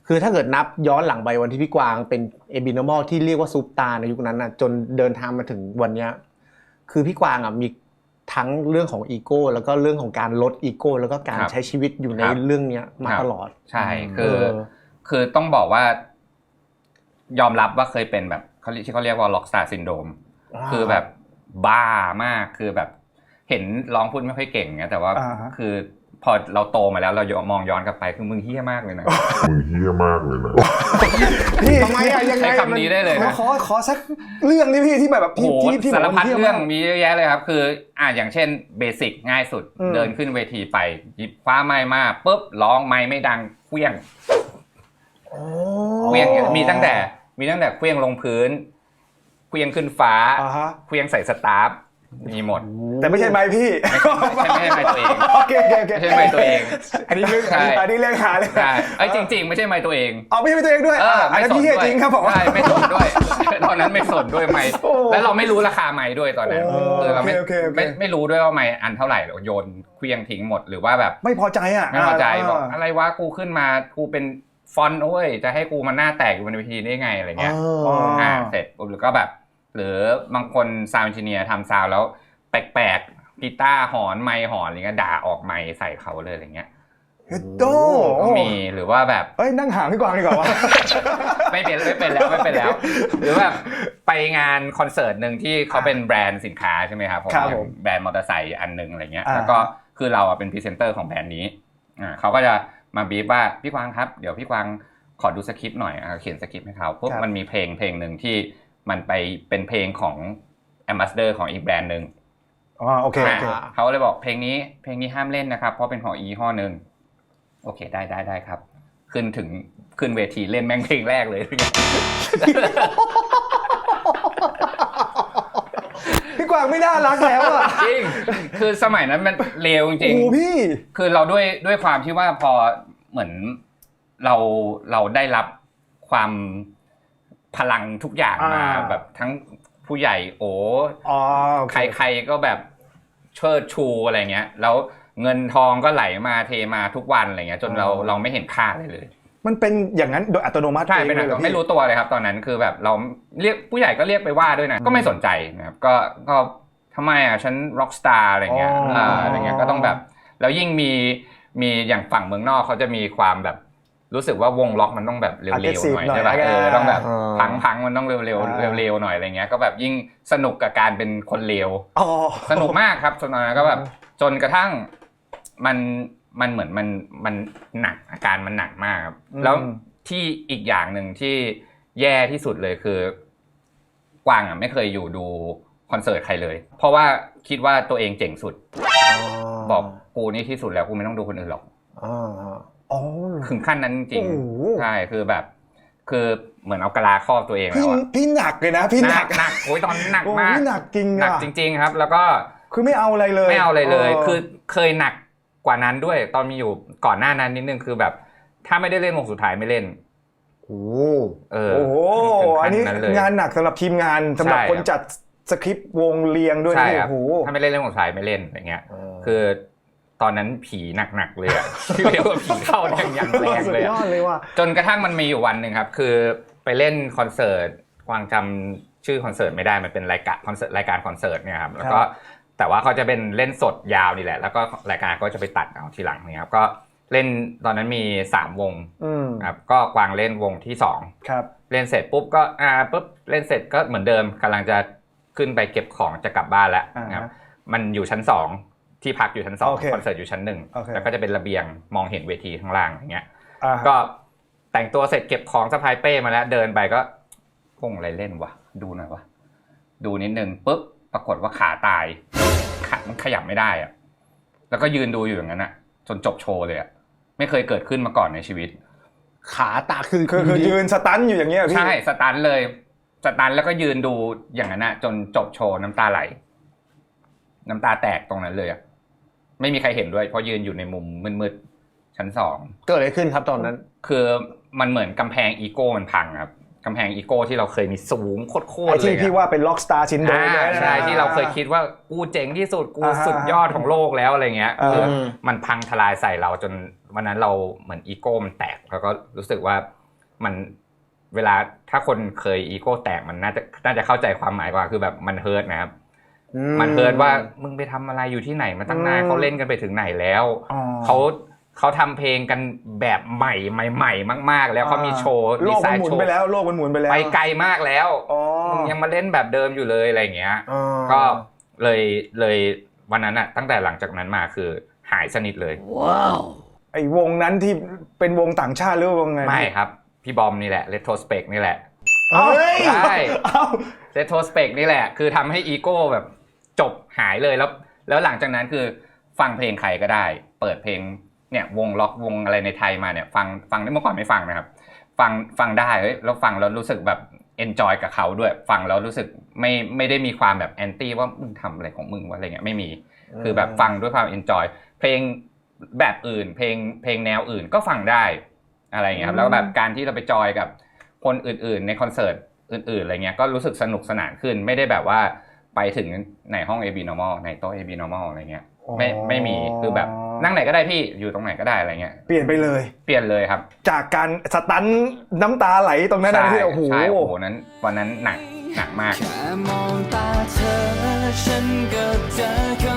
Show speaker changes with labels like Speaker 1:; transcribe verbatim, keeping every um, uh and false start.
Speaker 1: คือถ้าเกิดนับย้อนหลังไปวันที่พี่กวางเป็นเอบินอมอลที่เรียกว่าซุปตาในยุคนั้นน่ะจนเดินทางมาถึงวันนี้คือพี่กวางอ่ะมีทั้งเรื่องของอีโก้แล้วก็เรื่องของการลดอีโก้แล้วก็การใช้ชีวิตอยู่ในเรื่องนี้มาตลอด
Speaker 2: ใช่คือคือต้องบอกว่ายอมรับว่าเคยเป็นแบบเขาที่เขาเรียกว่าล็อกสตาร์ซินโดรมคือแบบบ้ามากคือแบบเห็นร้องพูดไม่ค่อยเก่งไงแต่ว่าคือพอเราโตมาแล้วเรามองย้อนกลับไปคือมึงเฮี้ยมากเลยนะ
Speaker 3: มึงเฮี้ยมากเลยนะ
Speaker 1: พี่ทำไมอะยังไง
Speaker 2: ใช้คำนี้ได้เลยนะ
Speaker 1: ขอขอสักเรื่องนี้พี่ที่แบบที่
Speaker 2: ที่สารพัดเรื่องมีเยอะแยะเลยครับคืออ่ะอย่างเช่นเบสิกง่ายสุดเดินขึ้นเวทีไปหยิบฟ้าไม้มาปุ๊บร้องไม้ไม่ดังเคลี้ยงเคลี้ยงมีตั้งแต่มีตั้งแต่เคลี้ยงลงพื้นเคลี้ยงขึ้นฟ้าเคลี้ยงใส่สตาร์ฟมีหมด
Speaker 1: แต่ไม่ใช่ไม้พี่
Speaker 2: ไม่ใช่ไม้ตัวเอง
Speaker 1: โอเคโอเค
Speaker 2: ไม่ใช่ไม้ตัวเอง
Speaker 1: อันนี้เรื่องอันนี้เรื่องหาเลย
Speaker 2: ใช่ไอ้จริงๆไม่ใช่ไม้ตัวเอง
Speaker 1: อ๋อไม่ใช่ไม้ตัวเองด้วยอันนั้นพี่จริงครับผม
Speaker 2: ใช่ไม่สนด้วยตอนนั้นไม่สนด้วยไม้แล้วเราไม่รู้ราคาไม้ด้วยตอนนั้นคือเราไม่ไม่ไม่รู้ด้วยว่าไม้อันเท่าไหร่เราโยนเคลี้ยงทิ้งหมดหรือว่าแบบ
Speaker 1: ไม่พอใจอ่ะ
Speaker 2: ไม่พอใจบอกอะไรวะกูขึ้นมากูเป็นฟอนต์โอ้ยจะให้กูมาหน้าแตกอยู่บนเวทีได้ไงอะไรเงี้ยอ่าเสร็จปุ๊บหรือก็แบบหรือบางคนซาวด์เอนจิเนียร์ทำซาวด์แล้วแปลกๆกีตาร์หอนไมค์หอนอะไรเงี้ยด่าออกไมค์ใส่เขาเลยอะไรเงี้ย
Speaker 1: เฮ้ยโต
Speaker 2: มีหรือว่าแบบ
Speaker 1: เอ้ยนั่งห่างพี่กวางดีกว่าวะ
Speaker 2: ไม่เป็นไม่เป็นแล้วไม่เป็นแล้วหรือแบบไปงานคอนเสิร์ตนึงที่เขาเป็นแบรนด์สินค้าใช่ไหมครับผมแบรนด์มอเตอร์ไซค์อันนึงอะไรเงี้ยแล้วก็คือเราเป็นพรีเซนเตอร์ของแบรนด์นี้อ่าเขาก็จะมาบีฟว่าพี่กวางครับเดี๋ยวพี่กวางขอดูสคริปต์หน่อยเขียนสคริปต์ให้เขาปุ๊บมันมีเพลงเพลงนึงที่มันไปเป็นเพลงของแอมบาสเดอร์ของอีกแบรนด์นึง
Speaker 1: อ๋อโอเคโอเค
Speaker 2: เขาเลยบอกเพลงนี้เพลงนี้ห้ามเล่นนะครับเพราะเป็นของอีห้อนึงโอเคได้ได้ได้ครับขึ้นถึงขึ้นเวทีเล่นแม่งเพลงแรกเลย
Speaker 1: พี่กวางไม่น่ารักแล้วอ่ะ
Speaker 2: จริงคือสมัยนั้นมันเลวจริง
Speaker 1: โอ้พี่
Speaker 2: คือเราด้วยด้วยความที่ว่าพอเหมือนเราเราได้รับความพลังทุกอย่างมาแบบทั้งผู้ใหญ่โอ้ใครๆก็แบบเชิดชูอะไรเงี้ยแล้วเงินทองก็ไหลมาเทมาทุกวันอะไรเงี้ยจนเราเราไม่เห็นค่าเลยเลย
Speaker 1: มันเป็นอย่างนั้นโดยอัตโนมัติ
Speaker 2: ใช่เป็นแบบไม่รู้ตัวเลยครับตอนนั้นคือแบบเราเรียกผู้ใหญ่ก็เรียกไปว่าด้วยนะก็ไม่สนใจนะครับก็ก็ทำไมอ่ะฉันร็อกสตาร์อะไรเงี้ยอ่าอะไรเงี้ยก็ต้องแบบแล้วยิ่งมีมีอย่างฝั่งเมืองนอกเขาจะมีความแบบรู้สึกว่าวงล็อกมันต้องแบบเร็วๆหน่อยใช่ป่ะเออต้องแบบพังๆมันต้องเร็วๆเร็วๆหน่อยอะไรเงี้ยก็แบบยิ่งสนุกกับการเป็นคนเลวสนุกมากครับตอนนั้นก็แบบจนกระทั่งมันมันเหมือนมันมันหนักอาการมันหนักมากครับแล้วที่อีกอย่างหนึ่งที่แย่ที่สุดเลยคือกวางอ่ะไม่เคยอยู่ดูคอนเสิร์ตใครเลยเพราะว่าคิดว่าตัวเองเจ๋งสุดบอกกูนี่ที่สุดแล้วกูไม่ต้องดูคนอื่นหรอกถึงขั้นนั้นจริงใช่คือแบบคือเหมือนเอากะลาครอบตัวเองแล้วอ่ะ
Speaker 1: พี่หนักเลยนะพี่หนัก
Speaker 2: หนักโอ้ยตอนหนักมาก
Speaker 1: หนักจริง
Speaker 2: หนักจริงๆครับแล้วก็
Speaker 1: คือไม่เอาอะไรเลย
Speaker 2: ไม่เอาอะไรเลยคือเคยหนักกว่านั้นด้วยตอนมีอยู่ก่อนหน้านั้นนิดนึงคือแบบถ้าไม่ได้เล่นวงสุดท้ายไม่เล่น
Speaker 1: โอ้
Speaker 2: เออ
Speaker 1: โอ้อันนี้งานหนักสำหรับทีมงานสำหรับคนจัดสคริปต์วงเรียงด้วยนี่โอ้โห
Speaker 2: ถ้าไม่เล่นเล่นวงสุดท้ายไม่เล่นอย่างเงี้ยคือตอนนั้นผีหนักๆเลยอ่ะที่เรียกว่าผีเข้าอย่างอย่างแรงเลยจนกระทั่งมันมีอยู่วันนึงครับคือไปเล่นคอนเสิร์ตกวางจำชื่อคอนเสิร์ตไม่ได้มันเป็นรายการคอนเสิร์ตรายการคอนเสิร์ตเนี่ยครับแล้วก็แต่ว่าเขาจะเป็นเล่นสดยาวนี่แหละแล้วก็รายการก็จะไปตัดเอาทีหลังนี่ครับก็เล่นตอนนั้นมีสามวงครับก็กวางเล่นวงที่สอง
Speaker 1: ครับ
Speaker 2: เล่นเสร็จปุ๊บก็อ่าปุ๊บเล่นเสร็จก็เหมือนเดิมกำลังจะขึ้นไปเก็บของจะกลับบ้านแล้วนะครับมันอยู่ชั้นสองที่พักอยู่ชั้นสองคอนเสิร์ตอยู่ชั้นหนึ่งแล้วก็จะเป็นระเบียงมองเห็นเวทีข้างล่างอย่างเงี้ยก็แต่งตัวเสร็จเก็บของสะพายเป้มาแล้วเดินไปก็พงอะไรเล่นวะดูหน่อยวะดูนิดนึงปุ๊บปรากฏว่าขาตายขามันขยับไม่ได้อะแล้วก็ยืนดูอยู่อย่างนั้นอะจนจบโชว์เลยอะไม่เคยเกิดขึ้นมาก่อนในชีวิต
Speaker 1: ขาตาคือคือยืนสตันอยู่อย่างเงี้ยพี่
Speaker 2: ใช่สตันเลยสตันแล้วก็ยืนดูอย่างนั้นอะจนจบโชว์น้ำตาไหลน้ำตาแตกตรงนั้นเลยอะไม่มีใครเห็นด้วยเพราะยืนอยู่ในมุมมืดๆชั้นสอง
Speaker 1: เกิดอะไรขึ้นครับตอนนั้น
Speaker 2: คือมันเหมือนกำแพงอีโก้มันพังครับกำแพงอีโก้ที่เราเคยมีสูงโคตรๆเลย
Speaker 1: ที่พี่ว่าเป็นล็อกสตาร์ซินโดรม
Speaker 2: ใช่ที่เราเคยคิดว่ากูเจ๋งที่สุดกูสุดยอดของโลกแล้วอะไรเงี้ยคือมันพังทลายใส่เราจนวันนั้นเราเหมือนอีโก้มันแตกแล้วก็รู้สึกว่ามันเวลาถ้าคนเคยอีโก้แตกมันน่าจะน่าจะเข้าใจความหมายกว่าคือแบบมันเฮิร์ตนะครับมันเฮิร์ตว่ามึงไปทำอะไรอยู่ที่ไหนมาตั้งนานเขาเล่นกันไปถึงไหนแล้วเขาเขาทำเพลงกันแบบใหม่ใหม่ๆมากๆแล้วเขามีโชว์ดีไซน์โชว์ไป
Speaker 3: แล้วโลกมันหมุนไปแล้ว
Speaker 2: ไปไกลมากแล้วมึงยังมาเล่นแบบเดิมอยู่เลยอะไรเงี้ยก็เลยเลยวันนั้นอะตั้งแต่หลังจากนั้นมาคือหายสนิทเลย
Speaker 3: ว้าวไอ้วงนั้นที่เป็นวงต่างชาติหรือวงไง
Speaker 2: ไม่ครับพี่บอมนี่แหละ Retrospect นี่แหละ
Speaker 3: ใช่
Speaker 2: Retrospect นี่แหละคือทำให้อีโก้แบบจบหายเลยแล้วแล้วหลังจากนั้นคือฟังเพลงใครก็ได้เปิดเพลงเนี่ยวงล็อกวงอะไรในไทยมาเนี่ยฟังฟังได้เมื่อก่อนไม่ฟังนะครับฟังฟังได้เฮ้ยแล้วฟังแล้วรู้สึกแบบ enjoy กับเขาด้วยฟังแล้วรู้สึกไม่ไม่ได้มีความแบบแอนตี้ว่ามึงทำอะไรของมึงวะอะไรเงี้ยไม่มีคือแบบฟังด้วยความ enjoy เพลงแบบอื่นเพลงเพลงแนวอื่นก็ฟังได้อะไรเงี้ยครับแล้วแบบการที่เราไปจอยกับคนอื่นๆในคอนเสิร์ตอื่นๆอะไรเงี้ยก็รู้สึกสนุกสนานขึ้นไม่ได้แบบว่าไปถึงในห้อง เอ บี Normal ในโต๊ะ เอ บี Normal อะไรเงี้ยไม่ไม่มีคือแบบนั่งไหนก็ได้พี่อยู่ตรงไหนก็ได้อะไรเงี้ย
Speaker 3: เปลี่ยนไปเลย
Speaker 2: เปลี่ยนเลยครับ
Speaker 3: จากการสตันน้ำตาไหลตรงนั้นนะที่โอ้โห
Speaker 2: ใช่โอ้โหนั้นวันนั้นหนักหนักมาก
Speaker 4: แค่มองตาเธอฉันก็เจอค